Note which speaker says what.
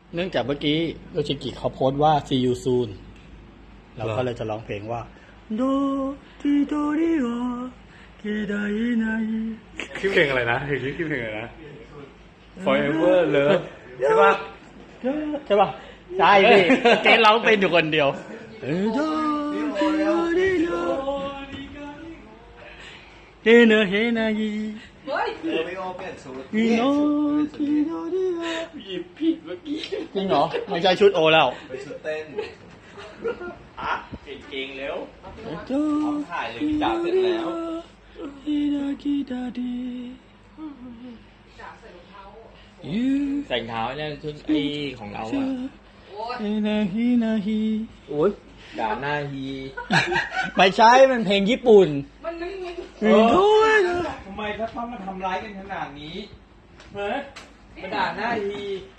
Speaker 1: เนื่องจากเมื่อกี้โยชิกิเขาโพสต์ว่า see you soon เราก็เลยจะร้องเพลงว่าโดทิโดริโอเกไดไน
Speaker 2: ชื่อเพลงอะไรนะชื่อเพลงอะไรนะ Forever Love ใช่ปะ
Speaker 1: ใช่ป่ะใช่ดิเกร้องเป็นอยู่คนเดียวเฮเนเฮนายี
Speaker 3: ไม่โอเปลี่ยนชุด
Speaker 2: หยิบผิดเมื่อกี้
Speaker 1: จริงเหรอไม่ใช่ชุดโอแล้ว
Speaker 3: ไปชุดเต้น
Speaker 2: อ่ะเปลี่ยนเกงเร็ว
Speaker 3: ถ่ายเลยพี่จ๋าเสร็จแล้ว
Speaker 2: ใส่เท้าเนี่ยชุดไอ้ของเราอ่ะ
Speaker 1: โอ้ย
Speaker 3: ด่าหน้าฮี
Speaker 1: ไม่ใช่มันเพลงญี่ปุ่น
Speaker 3: มันไม่ทำไมถ้าต้องมาทำร้ายกันขนาดนี้เฮ้ยมาด่าหน้าฮี